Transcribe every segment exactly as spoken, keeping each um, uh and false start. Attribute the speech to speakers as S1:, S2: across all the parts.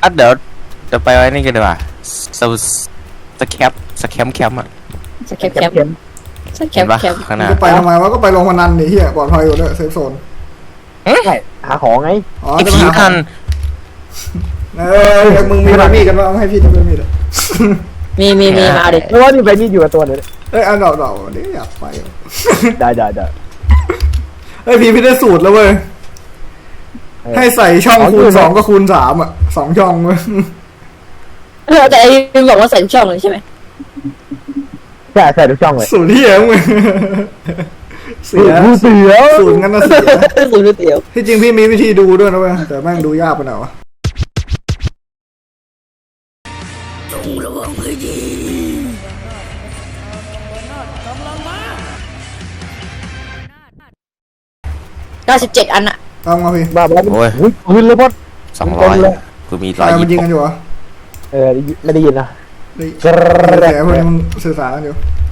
S1: อ่ะเดี๋ยวจะไปไว้นี่กันดีกว่าสสแคปสแคมแคมอะ
S2: สแคปแคปสแค
S1: เห็
S2: ป
S1: นปะ
S2: แคป
S1: ข้างหน้า
S3: จะไปทำไมวะก็ไปลงพนันนี่เฮียปลอดภัยอยู่ด้วยเซฟโซน
S4: ใช่หาของไง
S3: อ๋อ
S1: ไอ
S3: จะ
S1: ผี
S3: มาหา
S1: ทัน
S3: เออมึงมีใบมีดกันว่าให้พี่ดูใบมีดอ่ะ
S2: มีมีมีมาดิ
S4: เพราะว่านี่ใบมีดอยู่กับตัวเลย
S3: เอ้ยอันดอกดอกนี่อยากไป
S4: ได้ได้ได้
S3: เฮ้ยพี่พี่ได้สูตรแล้วเว้ยให้ใส่ช่องคูณสองก็คูณสามอ่ะสองช่องเว้ย
S2: เออแต่ไอ้มึงบอกว่าใส่ทุกช่องเลยใช่ไหม
S4: ใช่ใส่ทุกช่องเลย
S3: สูตรที่เหี้ยมึงเสีย
S4: กูเสียว
S3: สูตรงั้นนะเสีย
S2: สูตรเตี๋ยว
S3: ที่จริงพี่มีวิธีดูด้วยนะเว้ยแต่แม่งดูยากไปหน่อยวะ
S2: เก้าสิบเจ็ดอันอะ
S3: ตามมาพี่
S4: บ้าบ้าโอ้ยพื้นเลยพอด
S1: สองร้อยคือมีร้อย
S3: ใครมันยิ
S1: ยี่
S3: ง
S1: สิ
S3: กัน
S1: บ
S3: อยู่วะ
S4: เออไม่ได้ยินนะ
S3: นี่
S4: กระแดก
S3: แต่พวกนี้มันสื่อสารกันอยู่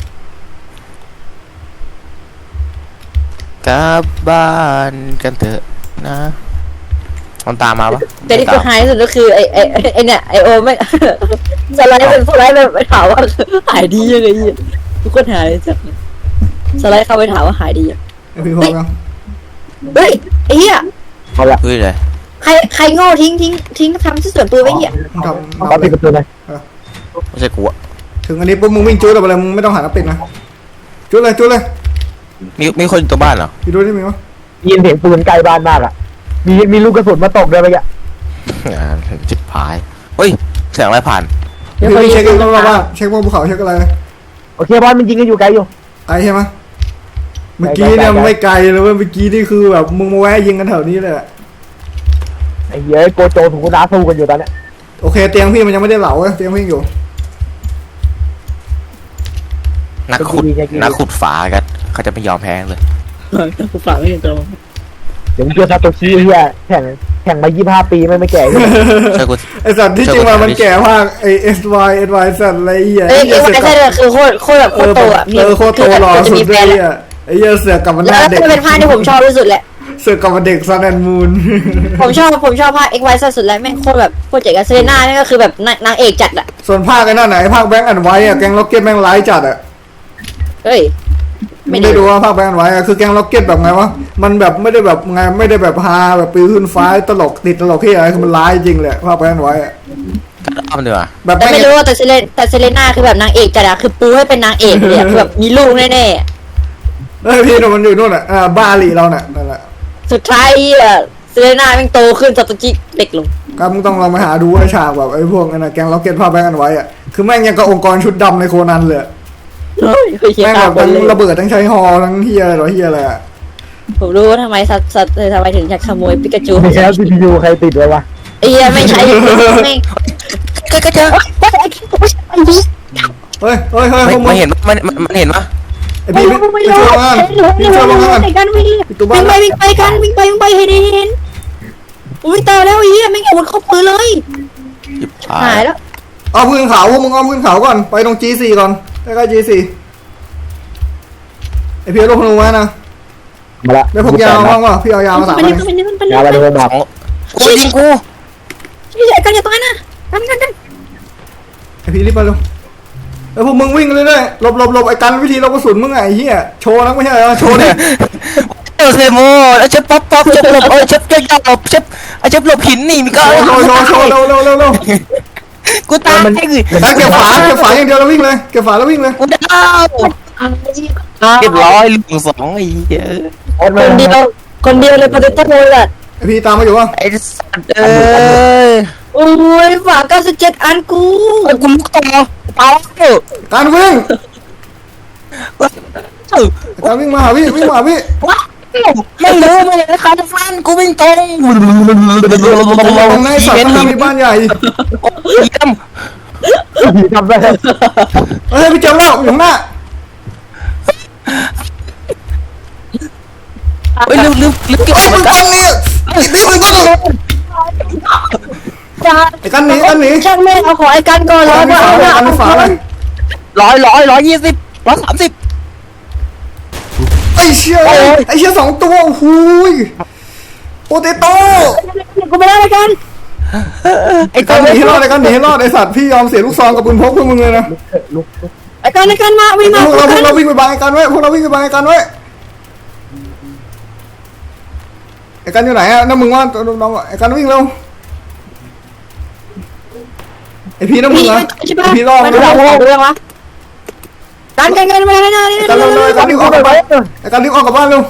S1: กลับบ้านกันเถอะนะมันตามมาปะ
S2: แต่ที่กูหายที่สุดก็คือไอ้ไอ้ไอ้เนี่ยไอโอไม่สไลด์เป็นสไลด์ไปถามว่าหายดียังไงทุกคนหายเลยจ้ะสไลด์เข้าไปถามว่าหายดียัง
S3: ไอพี่พร้อมยัง
S2: เฮ้ยไอ้เหี้ย
S4: เอาละ
S1: เฮ้ยเลย
S2: ใครใครโง่ทิ้งทิ้งทิ้งทำที่ส่วนตัวไว้เหี้ย
S3: มึงทำ
S4: เอาปิดประตูเลย
S1: ไม่ใช่กูอะ
S3: ถึงอันนี้ปุ๊บมึงวิ่งจุดอะไรมึงไม่ต้องหาน้ำปิดนะจุดเลยจุดเลย
S1: มีมีคนอยู่ตัวบ้านเหรอ
S3: พี่ดูนี่มีวะ
S4: ยินเสียงปืนไกลบ้านมากอ่ะมีมีลูกกระสุนมาตกด้วยเมื่อกี้
S1: อ่าจิบพายเฮ้ยเสียงอะไรผ่าน
S3: พี่พี่เช็คกันว่าว่าเช็คว่าภูเขาเช็คอะไร
S4: โอเคบอลมันยิงกันอยู่ไกลอยู่
S3: ไกลใช่ไหมเมื่อกี้เนี่ยไม่ไกลเลยเว้ยเมื่อกี้นี่คือแบบมึงมาแวะยิงกันแถวนี้เลยอะ
S4: ไอ้เหี้ยโกโจถูกน้าสู้กันอยู่ตอนเนี้ย
S3: โอเคเตียงพี่มันยังไม่ได้เหลาเว้ยเตียงพี่อยู่
S1: นักขุดนักขุดฝากันเขาจะไม่ยอมแพ้เลย
S2: กูฝากไม่ถึงตัว
S4: เดี๋ยวมึงเจอซาโตชิเหี้ยแข่งแข่งมายี่สิบห้าปีไม่ไม่แก่เลย
S1: ใช่กู
S3: ไอสัตว์ที่จริงมามันแก่มากไอเอสวายเอสวายสัตว์อะไรเหี้ย
S2: เอ้ยไอ้ไอ้เคือโคตรโคตรแบบโคตรโตอ่ะ
S3: เออโคตรโตหล่อสุดเลยอ่ะไอ้เหี้ยเสือกกับมันห
S2: แล้ว
S3: น้า
S2: ก็
S3: เด็ก
S2: เป็นภาคที่ผมชอบที่สุดแหละ
S3: เสือกกับมันเด็กซันแอนมูน
S2: ผมชอบผมชอบภาค X Y สุดแล้วแม่งโคตรแบบโคตรเจ๋งอะเซเลน่านี่ก็คือแบบนางเอกจัดอะ
S3: ส่วนภาคไอ้นั่นไหนภาคแบงค์อันไว้อะแกงล็อกเก็ตแม่งร้ายจัดอะ
S2: เฮ้ย
S3: ไม่ได้ดูว่าภาคแบงค์อันไว้อะคือแกงล็อกเก็ตแบบไงวะมันแบบไม่ได้แบบไงไม่ได้แบบฮาแบบปืนขึ้นฟ้าตลกติดตลกที่อะไรคือมันร้ายจริงเลยภาคแบงค์อันไว้อะ
S1: เอามันดีกว่า
S3: แบบ
S2: แต่
S3: ไม่
S2: ไม่รู้ว่าแต่เซเลแต่เซเลน่าคือแบบนางเอกจัดอะคือปูให้เป็นนางเอกเลยอะคือแบบมีลูกแน่
S3: เฮ้ยพี่มันอยู่นู่นอะอ่าบ้าหลีเราเนี่ยนั่นแหละ
S2: ๆสุดท้ายอะเซเลน่าแม่งโตขึ้นซาโตจิเด็กลง
S3: ก็มึงต้องลองไปหาดูไอ้ฉากแบบไอ้พวกนั่นนะแกงล็อกเก็ตภาคแบงค์อันไว้อะคือแม่งยังกับองค์กรชุดดำในโคนันเลย
S2: เฮ้ยเคยเขียน
S3: แม่ง
S2: ตา
S3: แบ
S2: ม
S3: บ
S2: คน
S3: ทั้ง
S2: เลย
S3: ระเบิดทั้งใช้ฮอทั้งเฮียอะไรหรอเฮียอะไรอะ
S2: ผมรู้ว่าทำไมสัตว์สัตว์ทำไมถึงอยากขโมยปิกาจู
S4: ไม่ใช่ซีพียูใครติดเลยวะ
S2: ไอ้เหี้ยไม่ใช่ไม่
S1: ก็ก็เจอ
S2: ไอ้พี่
S3: เฮ้ยเฮ้ยเฮ้ย
S1: ไม่
S3: พวกมึ
S1: ไม่
S3: ง
S1: เห็นมันมันเห็นปะ
S3: ไอ้
S2: ไม่
S3: พี่
S2: รู้ไม่
S3: พี่
S2: รู้
S3: ช่วยงาน
S2: ไม่รู้ไม่
S3: พี่ช่วย
S2: รู้
S3: งาน
S2: ไหนกันวิ่งวิ่งไปวิ่งไปกันวิ่งไปวิ่งไปเห็นเห็นอุ้ยตายแล้วไอ้เหี้ยไม่งอาวุธครบมือเลย
S1: จิบพา
S2: หาย ยแล้ว
S3: เอาพื้นเขาพวกมึงเอาพื้นเขาก่อนไปตรง จี โฟร์ ก่อนใกล้ๆ จี โฟร์ ไอพี่เอาลูกธนูไว้นะ
S4: มาละ
S3: ได้พกยาวบ้างวะพี่เอายาวมาสาม
S2: ไป
S3: อัน
S2: เลยไปเลยไปเลย
S4: ยาวไปเลย
S1: ส
S4: มา
S1: องกูยิงกู
S2: ไม่ใช่กันอย่าตายนะกันกันกัน
S3: ไอพี่รีบไปเร็วเออพวกมึงวิ่งเลยเลยหลบหลบหลบไอ้กันวิธีลบกระสุนมึงไงไอ้เหี้ยโชว์นะไม่ใช่เหรอโชว์ดิ
S1: เออเซโมแล้วเชฟป๊อปป๊อปเชฟหลบเออเชฟเจ้าหลบเชฟไอเชฟหลบหินนี่มีก็
S3: โชว์โชว์โชว์เร็วเร็วเร็วเร็ว
S1: กูตายไอ้
S3: ไอ้เก็บฝาเก็บฝาอย่างเดียวแล้ววิ่งเลยเก็บฝาแล้ววิ่งเลย
S1: กูดาวเรียบร้อยลุงสองไอ้เหี้ย
S2: คนเดียวคนเดียวเลยปฏิทินเลยแหละ
S3: ไอพี่ตามมาอยู่วะ
S1: ไอ้สัตว์เอ้ย
S2: โอ้ยฝาเก้าสิบเจ็ดอันกู
S1: ไอ้กูลุกต่อเปล่าเออ
S3: การวิ่ง
S1: เออ
S3: การวิ่งมาหาพี่วิ่งมาหาพี่
S1: ว้าวไม่รู้ไม่เลยใครจะฟันกูวิ่งตรง
S3: ตรงในสัตว์ข้างหน้ามีบ้านใหญ่
S1: เยี่ยม
S4: ผีทำได้
S3: เฮ้ยพี่เจมส์แล้วอยู่ข้างหน้า
S1: เฮ้ยลืมลืมลืมเก็บ
S3: เอ้ย
S1: มั
S3: มึ
S1: น
S3: ง
S1: กั
S3: ต้
S1: น
S3: องนี่ไอ้พี่มึงต้องไอ้กันหนีกันหนี
S2: ช่างแม่เอาขอไอ้กันก่อนแล้ว
S3: กัน
S2: ก็
S3: ฝา
S2: เอา
S3: เลย
S2: ละ
S3: กันฝาเลย
S1: ร้อยร้อยร้อยยี่สิบร้อยสามสิบ
S3: ไอ้เชี่ยไอ้เชี่ยสองตัวหูยโปเตโต้
S2: กูไม่ได้ไอ้กัน
S3: ไอ้การหนีให้รอดไอ้การหนีให้รอดไอ้สัตว์พี่ยอมเสียลูกซองกับปืนพกเพื่อมึงเลยนะ
S4: ลุกลุก
S2: ไอ้กันไอ้กันมาวิ่ง
S3: พ
S2: มาว
S3: กเราพว
S2: กั
S3: ก
S2: น
S3: เราวิ่งไปบังไอ้การไว้พวกเราวิ่งไปบังไอ้การไว้ไอ้การอยู่ไหนอะน้ำมึงว่าน้องๆไอ้การวิ่งเร็วไอ้พี่น้ำมึง
S2: พี่
S3: อะ
S2: ใช่ปะ
S3: ไอ้พี่รอด
S2: มั
S3: ไอ้
S2: น
S3: การ
S2: เรื่องเรื่องวะกันกันกันมาแล้วนะนี่
S3: เร็วเร็วไอ้การรีบออกกลับบ้านไอ้การรีบออกกลับบ้านเร็ว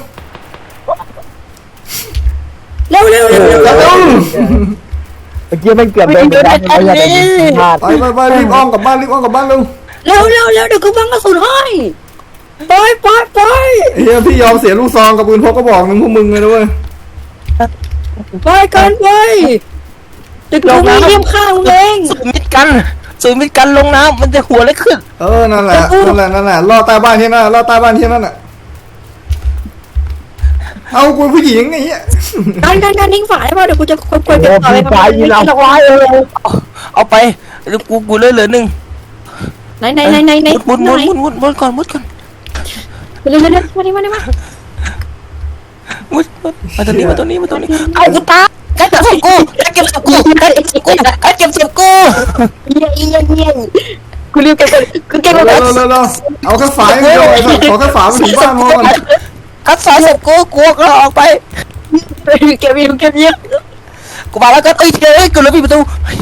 S2: เร็วเร็วเร็วเร็ว
S3: เร็ว
S4: เมื่อกี้มันเกือบโดนไปแล้วเขาอยากจะยิงพลาด
S3: ไปไปไปรีบอ้อมกลับบ้านรีบอ้อมกลับบ้านเร็ว
S2: เร็วเร็วเร็วเดี๋ยวกูบังกระสุนให้ไปไปไป
S3: ไอ้เหี้ยพี่ยอมเสียลูกซองกับปืนพกก็บอกหนึ่งพวกมึงเลยนะเว้ย
S2: ไปกันไปตึกลงมีเยี่ยมข้างมึงเอง
S1: สูมิดกันสูมิดกันลงน้ำมันจะหัวเล็กขึ้น
S3: เออนั่นแหละนั่นแหละนั่นแหละรอใต้บ้านที่นั่นรอใต้บ้านที่นั่นอ่ะเอากูผู้หญิงไอ้เหี้ย
S2: กันกันกันทิ้งฝาได้ป่ะเดี๋ยวกูจะคุยคุย
S4: โอ้
S2: กันต่อ
S4: พี่
S2: ไป
S4: ฟ้ายิงเอาไว้เออ
S1: เอาไปเดี๋ยวกูกูเหลยเหลือหนึ่ง
S2: ไหนไหนไหนไหนไหน
S1: มุดมุดมุดมุดมุดก่อนมุดก่อน
S2: เร็วเร็วเร็วมาดิมาดิมา
S1: มุดมุดมาตรงนี้มาตรงนี้มาตรงนี้เอากูตาใครเก็บศพกูใครเก็บศพกูใครเก็บศพกูใครเก็บศพกู
S2: เยี่ยเยี่ยเยี่ยกูรีบเก็บกูเก็บ
S3: เร็ว
S2: แล้
S3: เร็
S2: ว
S3: วเร็วเร็วเอาแค่ฝายเดียวไอ้สัตว์ขอแค่ฝาไปถึงบ้านพอก่อน
S1: กัดสายศพกูกูก็ออกไป
S2: เก็บเยี่ยเก็บเยี่ย
S1: กูมาแล้วก็เอ้ยเอ้ยกูเลยปิดประตู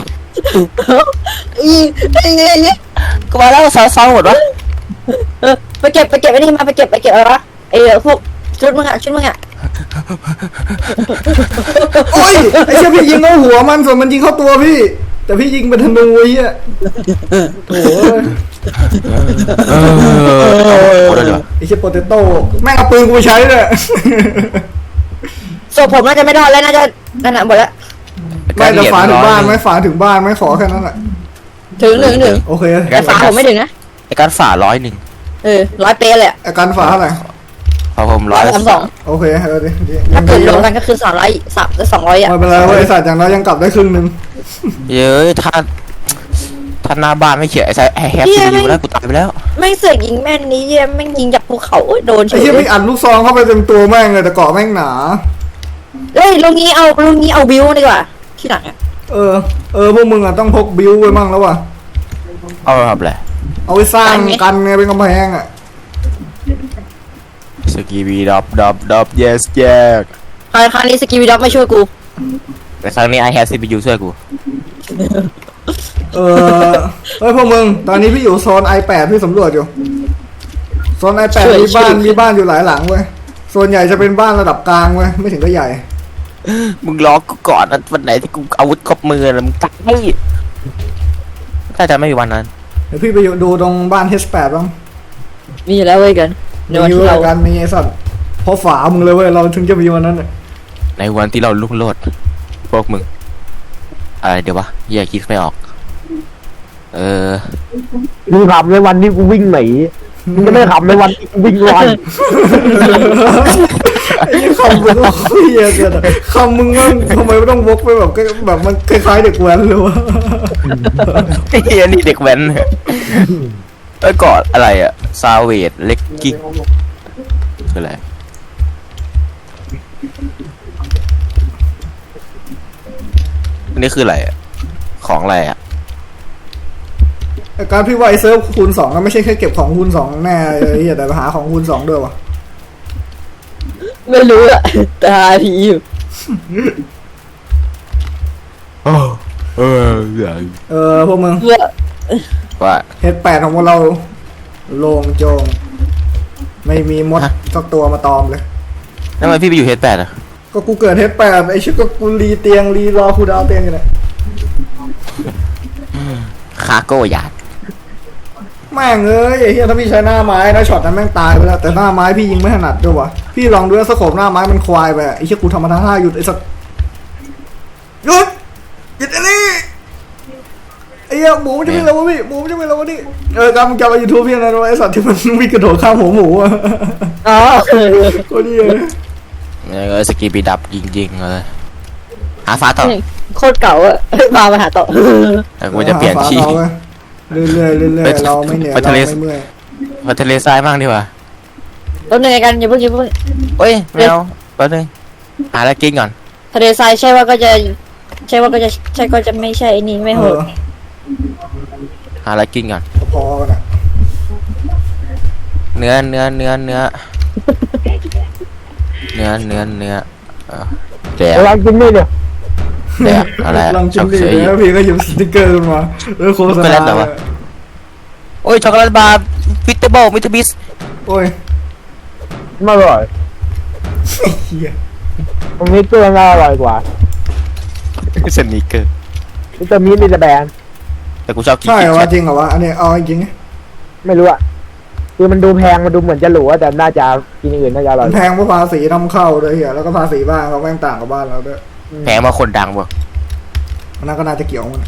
S2: อีอี
S1: กูมาแล้วสาวสาวหมดวะ
S2: ไปเก็บไปเก็บไอ้นี่มาไปเก็บไปเก็บอะไรวะไอ้พวกชุดมึงอะชุดมึงอะ
S3: โอ้ยไอ้เชี่ยพี่ยิงเข้าหัวมันส่วนมันยิงเข้าตัวพี่ แต่พี่ยิงเป็นธนูไอ้เหี้ยโถ่
S1: เออกูเลยเหรอ
S3: ไอ้เชี่ยโปเตโต้แม่งเอาปืนกูไปใช้เลย
S2: ศพผมน่าจะไม่รอดแล้วน่าจะนั่นน่ะหมดแล้ว
S3: ไม่แต่ฝาถึงบ้านไหมฝาถึงบ้านไหมขอแค่นั้นแหละ
S2: ถึงถึงถึง
S3: โอเค
S2: แต่ฝาผมไม่ถึงนะ
S1: ไอ้การฝ่าร้อยหนึ่ง
S2: เออร้อยเป๊ะเลยอะ
S3: อาการฝาเท่าไหร่
S1: พอผม
S2: ร้
S1: ร้
S2: อ
S1: อย ย
S2: สามสอง
S3: โอเคเออดิดิ
S2: ถ้าเกิดร
S3: ยั
S2: ว
S3: ง
S2: ม
S3: ดี
S2: กันก็คือสามร้อยสามสองร้อยอะ
S3: ไม่เป็นไรเว้ยไอ้สัตว์อย่างน้อยยังกลับได้ครึ่งหนึง
S1: เย้ยถ้าถ้าหน้าบ้านไม่เขียนไอ้สายแฮปปี้อยู่แล้วกูตายไปแล้ว
S2: แม่งเสือกยิงแม่นนี้เยี่ยแม่งยิงจากภูเขาโอ้ยโดนเฉ
S3: ไอ้
S2: ย
S3: เชี่ยพี่อัดลูกซองเข้าไปเต็มตัวแม่งเลยแต่เกาะแม่งหนา
S2: เฮ้ยลุงนี้เอาลุงนี้เอาวิวดีกว่าที่หลังอะ
S3: เออเออพวกมึงอ่ะต้องพกบิวไว้มั่งแล้วว่ะ
S1: เอาทำอะไร
S3: เอาไว้สร้างกันไงเป็นกำแพงอ่ะ
S1: สกีบีดับดับดับ yes yes
S2: คราวคราวนี้สกีวิด็อกไม่ช่วยกู
S1: แต่ครั้งนี้ I have ซี พี ยู ช่วยกู
S3: เออเฮ้ยพวกมึงตอนนี้พี่อยู่โซน ไอแปด พี่สำรวจอยู่โซน ไอแปด มีบ้านมีบ้านอยู่หลายหลังเว้ยส่วนใหญ่จะเป็นบ้านระดับกลางเว้ยไม่ถึงก็ใหญ่
S1: มึงรอกูก่อนนะวันไหนที่กูอาวุธครบมือแล้วมึงตักให้ถ้าจะไม่มีวันนั้น
S3: เดี๋ยวพี่ไปอยู่ดูตรงบ้าน เอช แปด บ้าง
S2: มีอยู่แล้วเว้ยกันในวัน
S3: มี
S2: ที่
S3: เว้
S2: เรา
S3: ยกันมีไอ้สัตว์เพราะฝามึงเลยเว้ยเราถึงจะมีวันนั้นน่ะ
S1: ในวันที่เราลุ่งโลดพวกมึงอะไรเดี๋ยววะแยกคิดไม่ออก เออ
S4: มึงขับในวันที่กูวิ่งหนีมึงจะไม่ขับในวันที่กูวิ่งรอน
S3: ไอ้คำมึงเฮียเกินอะคำมึงมันทำไมไม่ต้องวกไปแบบแบบมันคล้ายๆเด็กแว้นเลยวะ
S1: เฮียนี่เด็กแว้นเอ้ยกอดอะไรอะซาเวดเล็กกิ๊กคืออะไรอันนี้คืออะไรอะของอะไรอะ
S3: แต่การพี่ว่าไอ้เซิร์ฟคูณสองก็ไม่ใช่แค่เก็บของคูณสองแน่เลยเฮียแต่ไปหาของคูณสองด้วยวะ
S2: ไม่รู้อะตาทีอยู่
S1: เออเออ
S3: เออพวกมึง
S2: เพื่อ
S1: ว่า
S3: เฮดแปดของพวกเราโล่งโจงไม่มีมดสักตัวมาตอมเลย
S1: ทำไมพี่ไปอยู่เฮดแปดอะ
S3: ก็กูเกิดเฮดแปดไอ้ชิบก็กูรีเตียงรีรอคูดาวเตียงอยู่เนี่ย
S1: คาโก้ยาด
S3: แม่งเอ้ยไอ้เฮียถ้าพี่ใช้หน้าไม้นะช็อตนั้นแม่งตายไปแล้วแต่หน้าไม้พี่ยิงไม่ถนัดด้วยวะพี่ลองดูว่าสโคปหน้าไม้มันควายไปอะไอ้เชี่ยกูทำมาทั้งห้าหยุดไอ้สัสหยุดหยุดอันนี้ไอ้เหี้ยหมูมันจะไม่แล้ววะพี่หมูมันจะไม่แล้ววะนี่เออกำลังจะมายูทูบพี่นะไอ้สัตว์ที่มันวิ่งกระโดดข้ามหัวหมูอะ
S2: อ๋อ
S3: ก็ดีเลย
S1: เออสกีบีดับยิงๆเลยหาฟ้าต่อ
S2: โคตรเก่าอะมามาหาต่อ
S1: แต่กูจะเปลี่ยนที่
S3: เรื่อยๆเรื่อยๆเรื่อยๆเราไม่เหนื่อย
S1: ไป
S3: เรา
S1: ทะเล
S3: ไม่เมื่อย
S1: ไปทะเลทรายบ้างดีกว่า
S2: ต้นหนึ่งกันอย่าเพิ่งอย่าเพิ่ง
S1: เฮ้ยไม่เอาแป๊บนึงหาอะไรกินก่อน
S2: ทะเลทรายใช่ว่าก็จะใช่ว่าก็จะใช่ก็จะไม่ใช่ไอ้นี่ไม่โห
S3: เอ
S2: ด
S3: อ
S1: หาอะไรกินก่อน
S3: พอกันอ่ะ
S1: เนื้อเนื้อเนื้อเนื้อเนื้อเนื้อเนื้อเออแดก
S4: ระวังกินนี่เนี่ย
S1: แดกอะไรอะ
S3: ลอง
S1: ช
S3: จิ้
S1: อ
S3: ม
S1: บ
S3: ดิ
S1: เฉย
S3: แล้วพี่ก็หยิบสติ๊กเกอร์ขึ้นมาแล้วโฆษ
S1: ช็อกโกแล
S3: ณา
S1: ตเหรอวะ โอ้ยช็อกโกแลตบาร์ฟิตเตอร์เบิลมิสเตอร์บิส
S3: โอ้ย
S4: ไม่อร่อย
S3: เฮีย
S4: ตรงนี้เกลือน่าอร่อยกว่า
S1: สนิเกอร์
S4: วิตามินมีแต่แบรนด์
S1: แต่กูชอบกิน
S3: ใช่
S1: คิ
S3: เหร
S1: ด
S3: อ
S1: แค
S3: วะ
S1: ท
S3: จริงเหรอวะอันนี้เอาจริง
S4: ไม่รู้อะคือมันดูแพงมันดูเหมือนจะหรูอะแต่น่าจะกินอย่างอื่นน่าจะอร่อย
S3: มันแพงเพราะภาษีนำเข้าด้วยเฮียแล้วก็ภาษีบ้านเขาแม่งต่างกับบ้านเราด้วย
S1: แพงมาคนดังบ่
S3: มันน่าก็น่าจะเกี่ยวมัน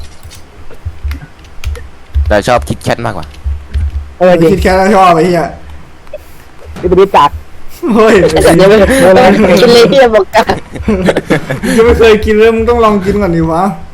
S1: แต่ชอบคิดแคทมากกว่า
S4: เออจริง
S3: คิดแค่ชอบไอ้เฮีย
S4: วิตามินจัด
S3: เฮ้ย
S2: เดี๋ยวไปกินเลยที่บอกกัน
S3: ยังไม่เคยกินเลยมึงต้องลองกินก่อนดิวะ